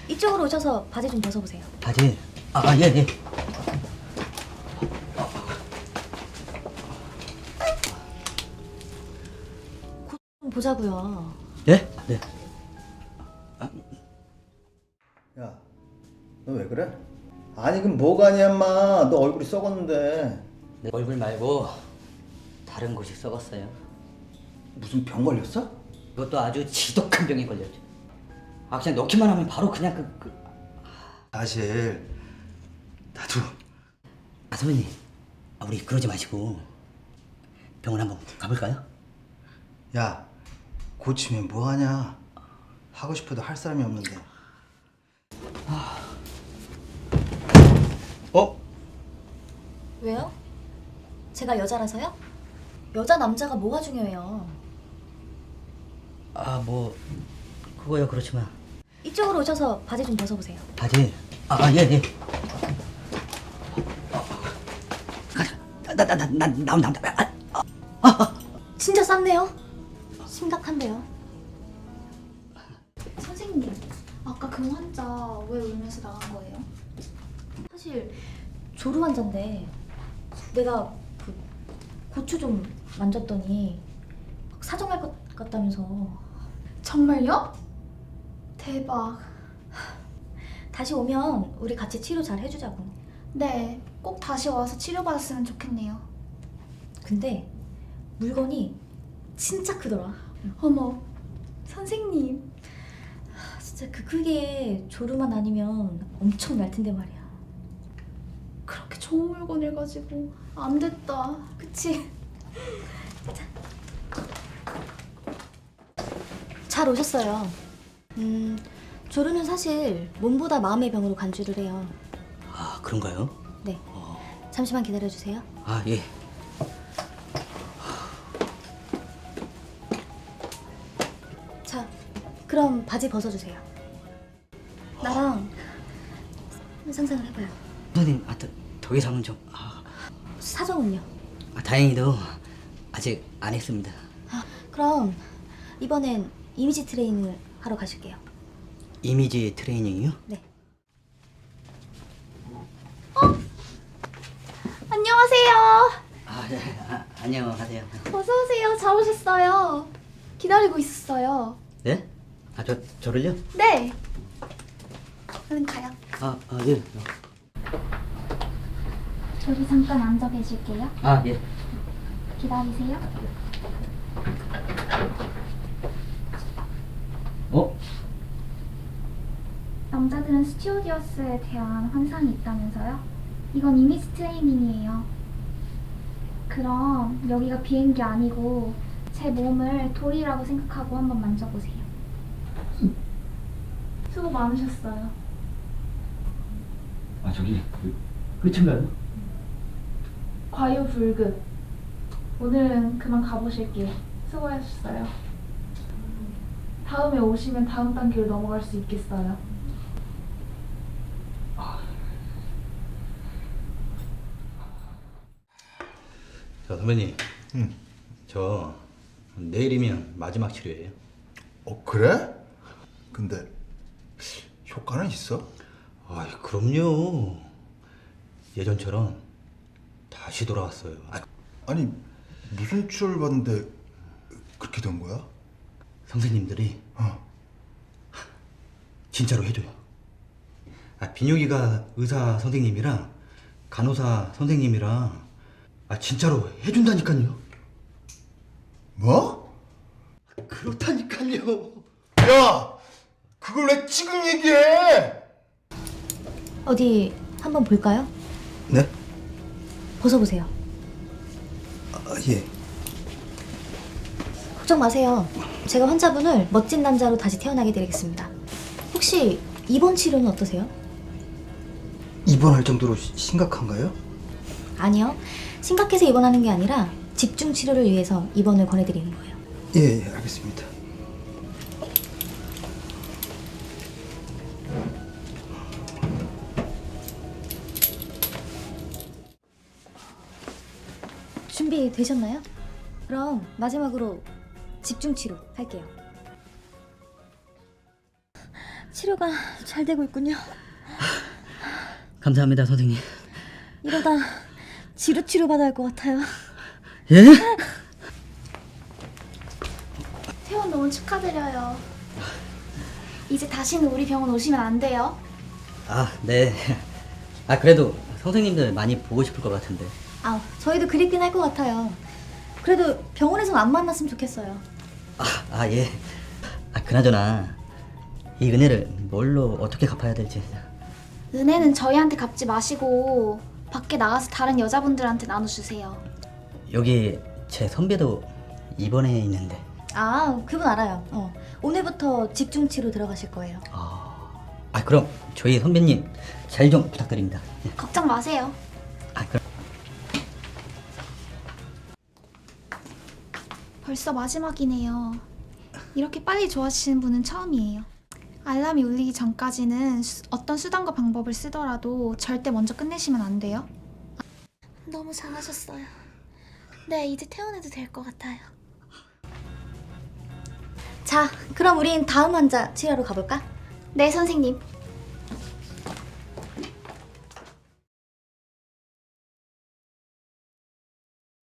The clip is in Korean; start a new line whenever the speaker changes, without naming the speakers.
이쪽으로 오셔서 바지 좀 벗어보세요.
바지? 예, 예.
곧 좀 보자고요.
예? 네.
야, 너 왜 그래? 아니 그럼 뭐가 아니야 인마. 너 얼굴이 썩었는데.
내 얼굴 말고 다른 곳이 썩었어요.
무슨 병 걸렸어?
이것도 아주 지독한 병에 걸렸죠. 그냥 넣기만 하면 바로 그냥
사실 나도.
선배님, 우리 그러지 마시고 병원 한번 가볼까요?
야, 고치면 뭐하냐. 하고 싶어도 할 사람이 없는데. 어?
왜요? 제가 여자라서요? 여자 남자가 뭐가 중요해요?
뭐 그거야 그렇지만
이쪽으로 오셔서 바지 좀 벗어보세요.
바지? 예, 예. 나온다.
진짜 쌌네요. 심각한데요.
선생님, 아까 그 환자 왜 울면서 나간 거예요?
사실 조루 환자인데 내가 그 고추 좀 만졌더니 막 사정할 것 같다면서.
정말요? 대박.
다시 오면 우리 같이 치료 잘 해주자고.
네, 꼭 다시 와서 치료받았으면 좋겠네요.
근데 물건이 진짜 크더라.
어머, 선생님.
진짜 그 크기에 조루만 아니면 엄청 날 텐데 말이야.
그렇게 좋은 물건을 가지고 안 됐다.
그치? 잘 오셨어요. 조루는 사실 몸보다 마음의 병으로 간주를 해요.
그런가요?
네. 잠시만 기다려주세요.
예.
자, 그럼 바지 벗어주세요. 나랑 상상을 해봐요.
선생님, 더 이상은 좀
사정은요?
다행히도 아직 안 했습니다.
그럼 이번엔 이미지 트레이닝을 하러 가실게요.
이미지 트레이닝이요?
네.
안녕하세요.
네. 안녕하세요.
어서 오세요. 잘 오셨어요. 기다리고 있었어요.
네? 저를요?
네. 얼른 가요.
예.
저기 잠깐 앉아 계실게요.
예.
기다리세요. 남자들은 스튜어디어스에 대한 환상이 있다면서요? 이건 이미지 트레이닝이에요. 그럼 여기가 비행기 아니고 제 몸을 돌이라고 생각하고 한번 만져보세요. 수고 많으셨어요.
저기 끝인가요?
과유불급. 오늘은 그만 가보실게요. 수고하셨어요. 다음에 오시면 다음 단계로 넘어갈 수 있겠어요.
선배님. 저 내일이면 마지막 치료예요.
그래? 근데 효과는 있어?
그럼요. 예전처럼 다시 돌아왔어요.
아니 무슨 치료를 받는데 그렇게 된 거야?
선생님들이
어.
진짜로 해줘요. 비뇨기과 의사 선생님이랑 간호사 선생님이랑 진짜로 해준다니까요.
뭐?
그렇다니까요.
야! 그걸 왜 지금 얘기해?
어디 한번 볼까요?
네?
벗어보세요.
예.
걱정 마세요. 제가 환자분을 멋진 남자로 다시 태어나게 드리겠습니다. 혹시 입원 치료는 어떠세요?
입원할 정도로 심각한가요?
아니요. 심각해서 입원하는 게 아니라 집중 치료를 위해서 입원을 권해드리는 거예요.
예, 알겠습니다.
준비되셨나요? 그럼 마지막으로 집중 치료 할게요. 치료 치료가 잘 되고 있군요.
감사합니다, 선생님.
이러다 지루 치료 받아야 할 것 같아요.
예?
퇴원 너무 축하드려요. 이제 다시는 우리 병원 오시면 안 돼요.
아, 네. 아, 그래도 선생님들 많이 보고 싶을 것 같은데.
저희도 그립긴 할 것 같아요. 그래도 병원에서는 안 만났으면 좋겠어요.
예. 그나저나 이 은혜를 뭘로 어떻게 갚아야 될지.
은혜는 저희한테 갚지 마시고 밖에 나가서 다른 여자분들한테 나눠주세요.
여기 제 선배도 입원해 있는데.
그분 알아요. 오늘부터 집중 치료 들어가실 거예요.
그럼 저희 선배님 잘 좀 부탁드립니다.
걱정 마세요.
그럼.
벌써 마지막이네요. 이렇게 빨리 좋아지시는 분은 처음이에요. 알람이 울리기 전까지는 어떤 수단과 방법을 쓰더라도 절대 먼저 끝내시면 안 돼요.
너무 잘하셨어요. 네, 이제 퇴원해도 될 것 같아요. 자, 그럼 우린 다음 환자 치료하러 가볼까?
네, 선생님.